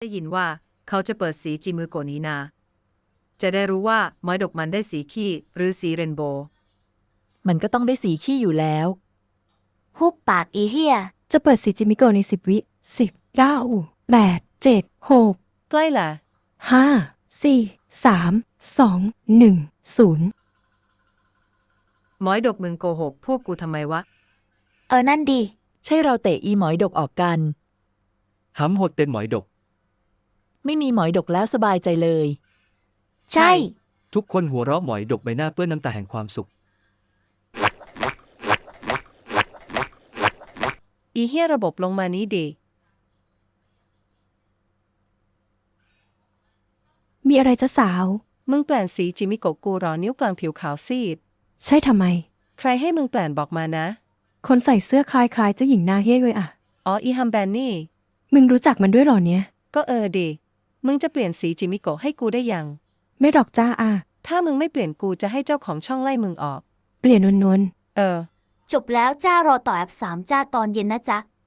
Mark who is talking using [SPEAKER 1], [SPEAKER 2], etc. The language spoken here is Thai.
[SPEAKER 1] ได้ยินว่าเขาจะเปิดสีจิมือโกนี้นาจะได้รู้ว่าไม้ดอกมันได้สีขี้หรือสีเรนโบว์
[SPEAKER 2] มันก็ต้องได้สีขี้อยู่แล้ว
[SPEAKER 3] หุบปากอีเหี้ย
[SPEAKER 4] จะเปิดสีจิมิโกะใน10 วิ10 9 8 7 6
[SPEAKER 5] ใกล้ละ
[SPEAKER 4] 5 4 3 2 1 0
[SPEAKER 1] หมอยดกมึงโกหกพวกกูทำไมวะ
[SPEAKER 3] นั่นดิ
[SPEAKER 2] ใช่เราเตะอีหมอยดกออกกัน
[SPEAKER 6] หำหดเต็นหมอยดก
[SPEAKER 2] ไม่มีหมอยดกแล้วสบายใจเลย
[SPEAKER 3] ใช่
[SPEAKER 6] ทุกคนหัวเราะหมอยดกใบหน้าเปื้อนน้ำตาแห่งความสุข
[SPEAKER 5] อีเหี้ยระบบลงมานี้ดี
[SPEAKER 4] มีอะไรจะสาว
[SPEAKER 5] มึงแปลนสีจิมิโกะกูรอนิ้วกลางผิวขาวซีด
[SPEAKER 4] ใช่ทำไม
[SPEAKER 5] ใครให้มึงแปลนบอกมานะ
[SPEAKER 4] คนใส่เสื้อคล้ายๆเจ้าหญิงหน้าเฮ้ยเลยอะ
[SPEAKER 5] อ๋ออีฮัมแบนนี่
[SPEAKER 4] มึงรู้จักมันด้วยเหรอเนี่ย
[SPEAKER 5] ก็ดีมึงจะเปลี่ยนสีจิมิโกะให้กูได้ยัง
[SPEAKER 4] ไม่หรอกจ้าอะ
[SPEAKER 5] ถ้ามึงไม่เปลี่ยนกูจะให้เจ้าของช่องไล่มึงออก
[SPEAKER 4] เปลี่ยนนวล
[SPEAKER 3] จบแล้วจ้ารอต่อแอป3จ้าตอนเย็นนะจ๊ะ